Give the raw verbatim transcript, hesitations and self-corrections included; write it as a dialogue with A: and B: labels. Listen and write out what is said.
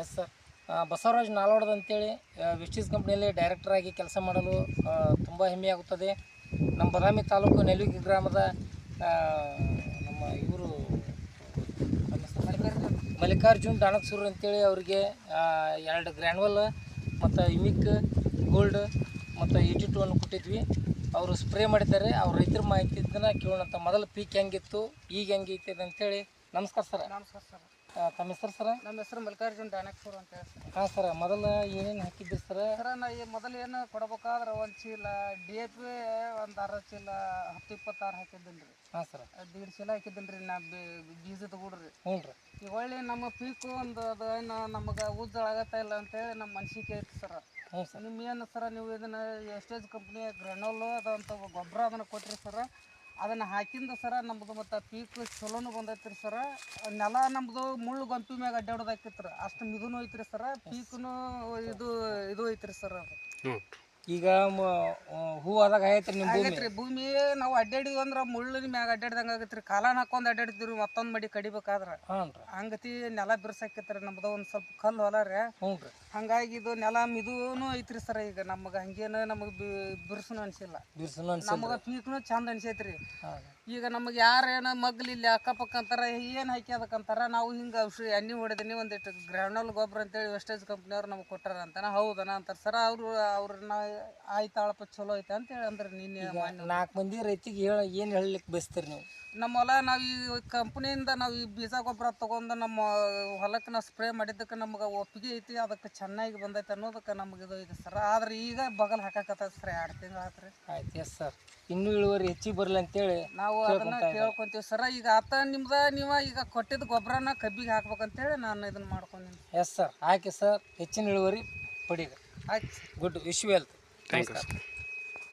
A: Yes sir. Basavaraj ನಾಲ್ವಡ್ದು ಅಂತೇಳಿ ವಿಸ್ಟೀಸ್ ಕಂಪ್ನಿಯಲ್ಲಿ ಡೈರೆಕ್ಟರಾಗಿ ಕೆಲಸ ಮಾಡಲು ತುಂಬ ಹೆಮ್ಮೆಯಾಗುತ್ತದೆ. ನಮ್ಮ ಬದಾಮಿ ತಾಲೂಕು ನೆಲುಗಿ ಗ್ರಾಮದ ನಮ್ಮ ಇವರು ಮಲ್ಲಿಕಾರ್ಜುನ್ ಡಾಣಕ್ಸೂರು ಅಂತೇಳಿ ಅವರಿಗೆ ಎರಡು ಗ್ರ್ಯಾನ್ವಲ್ ಮತ್ತು ಯುಮಿಕ್ ಗೋಲ್ಡ್ ಮತ್ತು ಏಯ್ಟಿ ಟೂ ಅನ್ನು ಕೊಟ್ಟಿದ್ವಿ. ಅವರು ಸ್ಪ್ರೇ ಮಾಡಿದ್ದಾರೆ. ಅವ್ರು ರೈತರ ಮಾಹಿತಿಯನ್ನು ಕೇಳೋಣಂತ. ಮೊದಲು ಪೀಕ್ ಹೆಂಗಿತ್ತು, ಈಗ ಹೆಂಗೈತೆ ಅಂತೇಳಿ. ನಮಸ್ಕಾರ ಸರ್.
B: ನಮಸ್ಕಾರ ಸರ್.
A: ತಮ್ಮ ಹೆಸರು ಸರ?
B: ನಮ್ಮ ಹೆಸರು ಮಲ್ಲಿಕಾರ್ಜುನ್ ಡಾಣಕ್ಸೂರು ಅಂತ ಹೇಳಿ ಸರ್.
A: ಹಾಂ ಸರ. ಮೊದಲು ಏನೇನು ಹಾಕಿದ್ರಿ ಸರ?
B: ಸರ ನಾ ಈ ಮೊದಲು ಏನು ಕೊಡ್ಬೇಕಾದ್ರೆ ಒಂದು ಚೀಲ ಡಿ ಎ ಪಿ ಒಂದು ಅರ್ಧ ಚೀಲ ಹತ್ತು ಇಪ್ಪತ್ತಾರು ಹಾಕಿದ್ದೀನಿ ರೀ. ಹಾಂ ಸರ. ದೀಡ್ ಚೀಲ ಹಾಕಿದ್ದೀನಿ ರೀ ನಾ ಬೀಜದ ಗೂಡ್ರಿ.
A: ಹ್ಞೂ ರೀ.
B: ಈಗ ಒಳ್ಳೆ ನಮ್ಮ ಪೀಕು ಒಂದು ಅದು ಏನು ನಮಗೆ ಉಜ್ಜಾಗತ್ತಾ ಇಲ್ಲ ಅಂತೇಳಿ ನಮ್ಮ ಮನ್ಸಿಗೆ ಐತಿ ಸರ.
A: ಹ್ಞೂ ಸರ್.
B: ನಿಮ್ಮ ಏನು ಸರ ನೀವು ಇದನ್ನು ಎಸ್ಟೇಜ್ ಕಂಪ್ನಿಯ ಗ್ರನೋಲು ಅದಂತ ಗೊಬ್ಬರ ಅದನ್ನು ಕೊಟ್ಟಿರಿ ಸರ. ಅದನ್ನು ಹಾಕಿಂದ ಸರ ನಮ್ಮದು ಮತ್ತು ಪೀಕ್ ಚಲೋನು ಬಂದೈತಿ ರೀ ಸರ. ನೆಲ ನಮ್ಮದು ಮುಳ್ಳು ಗೊಂಪಿ ಮ್ಯಾಗ ಅಡ್ಡಾಡೋದು ಹಾಕಿತ್ತು ರೀ. ಅಷ್ಟು ಮಿದುನು ಐತಿ ರೀ ಸರ. ಪೀಕ್ನು ಇದು ಇದು ಐತಿ ರೀ ಸರ್. ಅದು
A: ಈಗ ಹೂ ಆದಾಗ ಐತ್ರಿ ನಿಮ್ಮ ಭೂಮಿ?
B: ಆಗೈತೆ ರೀ. ಭೂಮಿ ನಾವು ಅಡ್ಡಾಡಿದ್ವಿ ಅಂದ್ರೆ ಮುಳ್ಳಿನ ಮ್ಯಾಗ ಅಡ್ಡಾಡ್ದಂಗೆ ಆಗೈತೆ ರೀ. ಕಾಲಾನ ಹಾಕೊಂಡು ಅಡ್ಡಾಡಿದ್ವಿ ರೀ ಮತ್ತೊಂದು ಮಡಿ ಕಡಿಬೇಕಾದ್ರೆ.
A: ಹಾಂ ರೀ.
B: ಹಂಗತಿ ನೆಲ ಬಿರ್ಸಾಕೈತೆ ರೀ. ನಮ್ದು ಒಂದು ಸ್ವಲ್ಪ ಕಲ್ಲು ಹೊಲ ರೀ.
A: ಹ್ಞೂ ರೀ.
B: ಹಂಗಾಗಿ ಇದು ನೆಲ ಮಿದುನು ಐತ್ರಿ ಸರ. ಈಗ ನಮಗೆ ಹಂಗೇನು ನಮಗೆ ಬಿರ್ಸನು ಅನಿಸಿಲ್ಲ.
A: ಬಿರ್ಸನು ಅನ್ಸಿಲ್ಲ.
B: ನಮಗೆ ಪೀಕ್ನು ಚಂದ ಅನ್ಸೈತೆ ರೀ.
A: ಹಾಂ. ಈಗ
B: ನಮಗೆ ಯಾರು ಏನೋ ಮಗ್ಲಿ ಇಲ್ಲಿ ಅಕ್ಕಪಕ್ಕ ಅಂತಾರೆ, ಏನು ಹಾಕಿ ಅದಕ್ಕಂತಾರ. ನಾವು ಹಿಂಗೆ ಔಷಧಿ ಎಣ್ಣೆ ಹೊಡೆದಿನಿ ಒಂದಿಟ್ಟು ಗ್ರ್ಯಾನಲ್ ಗೊಬ್ಬರ ಅಂತೇಳಿ ವೆಸ್ಟೇಜ್ ಕಂಪ್ನಿಯವ್ರು ನಮ್ಗೆ ಕೊಟ್ಟಾರ ಅಂತಾನೆ. ಹೌದನ ಅಂತಾರೆ ಸರ. ಅವರು ಅವ್ರನ್ನ ಆಯ್ತಾಳಪ್ಪ ಚಲೋ ಐತೆ ಅಂತೇಳಿ ಅಂದ್ರೆ ನಿನ್ನೆ
A: ನಾಲ್ಕು ಮಂದಿ ರೈತಿಗೆ ಹೇಳ ಏನು ಹೇಳಲಿಕ್ಕೆ ಬಯಸ್ತೀರಿ ನೀವು?
B: ನಮ್ಮ ಹೊಲ ನಾವು ಈ ಕಂಪ್ನಿಯಿಂದ ನಾವು ಈ ಬೀಜ ಗೊಬ್ಬರ ತೊಗೊಂಡು ನಮ್ಮ ಹೊಲಕ್ಕೆ ನಾವು ಸ್ಪ್ರೇ ಮಾಡಿದ್ದಕ್ಕೆ ನಮ್ಗೆ ಒಪ್ಪಿಗೆ ಐತಿ. ಅದಕ್ಕೆ ಚೆನ್ನಾಗಿ ಬಂದೈತೆ ಅನ್ನೋದಕ್ಕೆ ನಮ್ಗೆ ಇದು ಐತೆ ಸರ್. ಆದ್ರೆ ಈಗ ಬಗಲ್ ಹಾಕಕತ್ತ ಸರ್. ಎರಡು ತಿಂಗಳು ಆಯ್ತು ರೀ.
A: ಆಯ್ತು. Yes sir. ಇನ್ನೂ ಇಳುವರಿ ಹೆಚ್ಚಿಗೆ ಬರಲಿ ಅಂತೇಳಿ
B: ನಾವು ಅದನ್ನು ಕೇಳ್ಕೊಂತೀವಿ ಸರ. ಈಗ ಆತ ನಿಮ್ದು ನೀವು ಈಗ ಕೊಟ್ಟಿದ್ದ ಗೊಬ್ಬರನ ಕಬ್ಬಿಗೆ ಹಾಕ್ಬೇಕಂತೇಳಿ ನಾನು ಇದನ್ನು ಮಾಡ್ಕೊಂಡಿನಿ.
A: Yes sir. ಹಾಕಿ ಸರ್. ಹೆಚ್ಚಿನ ಇಳುವರಿ ಪಡೀರಿ.
B: ಆಯ್ತು.
A: Good. Wish you wealth.
C: Thank you.